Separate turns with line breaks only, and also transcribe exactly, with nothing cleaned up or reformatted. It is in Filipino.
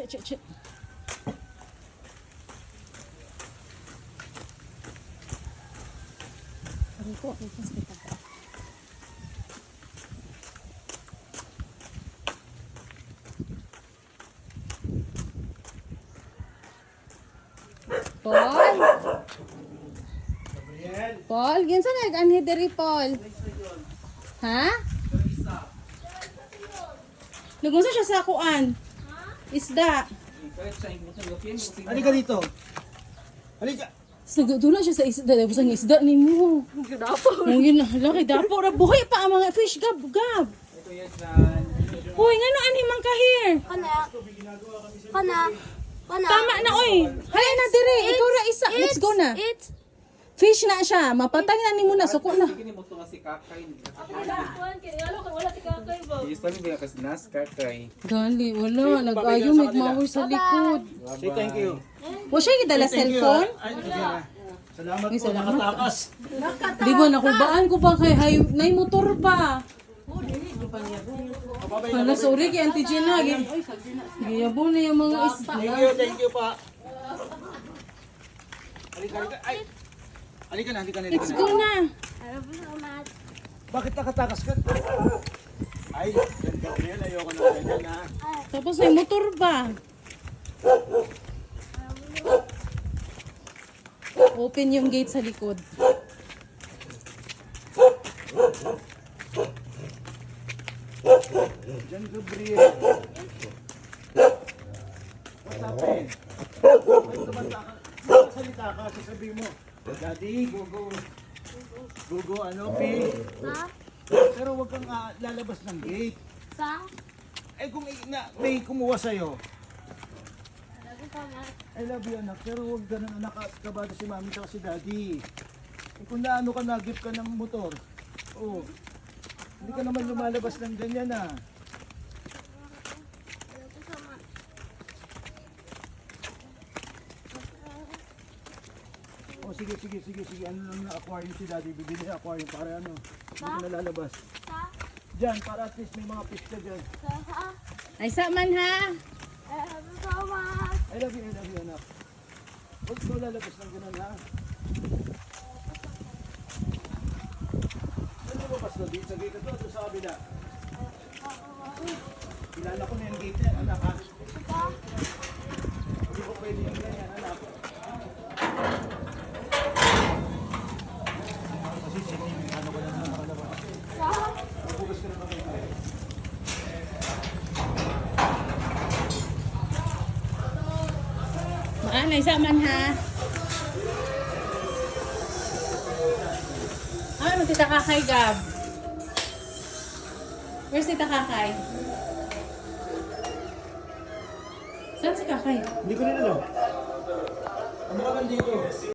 ch, ch. Aray ko, aray ko, sakit ako. Paul? Paul, ginsa nag-anhi diri, Paul? Ha? Nagunsa siya sa kuan. Isda.
Halika dito. Halika.
Nagdula siya sa isda. Tapos ang isda ni mo.
Dapo.
Ngayon, laki dapo. Buhay pa ang mga fish. Gab, gab. Hoy, nga no, ani man kahir.
Kana. Kana. Kana.
Tama na, oy. Haya na dire. Ikaw ra isa. Let's go na.
It.
Fish na siya. Mapatay na ni mo na. Suko na.
Kini mo to si kakay.
Kuan kini alo kan wala si kakay ba.
Is pa ba kas nas kakay.
Gali, wala. Nag-ayo, magmawar sa likod.
Say thank you.
Wa siya gidala cellphone?
Ay, sige na. Salamat
Ay,
po,
salamat.
nakatakas.
Di ba, nakubaan ko pa kay hay, nay motor pa. Hala, sorry kay Auntie Gina. Giyabo na yung mga isda.
Thank you, thank you pa. Halika, halika. Ay. Halika na, halika na, halika
Let's
na.
go na.
Ano ba sa mat?
Bakit nakatakas ka? Ay, ganda ko yan. Ayoko na ganyan ha.
Tapos may motor pa. Open yung gate sa likod.
Diyan, Gabriel. What's happened? Ba't tumanta ka? Salita ka, sasabihin mo. Daddy, go, go. Go, go, ano, Pi?
Sa?
Pero huwag kang ah, lalabas ng gate.
Sa?
Eh kung i- na, may kumuha sa'yo,
Ano ba sa mat?
I love you anak, pero huwag ganun anak at kabado si mami at si daddy. Eh kung naano ka, nag-gift ka ng motor, oh, hindi ka naman lumalabas ng ganyan ah.
Ano ba sa mat?
Oh sige, sige, sige, sige, ano lang na aquarium si daddy, bibili ng aquarium para ano, hindi ka nalalabas.
Sa?
Diyan, para at least may mga fish ka dyan.
Sa? Sa?
Ay, sa man ha.
Ano ba sa mat?
I love you, I love you anak. Huwag mo lalabas ng ganun ha. Ano ba pas doon? Dito sa gate ito, ito sa kabila. Kilala ko na yung gate yan, anak ha.
Sa?
Hindi ko pwede yung ganyan, anak. Kasi sige, ano ko lang naman nakalabas.
Sa?
Mabugas ka na naman kayo.
Maanay, sa man ha. Ano, tita Kakay, Gab? Where's tita Kakay? Saan si Kakay?
Hindi ko rin alam. Ano ka dito?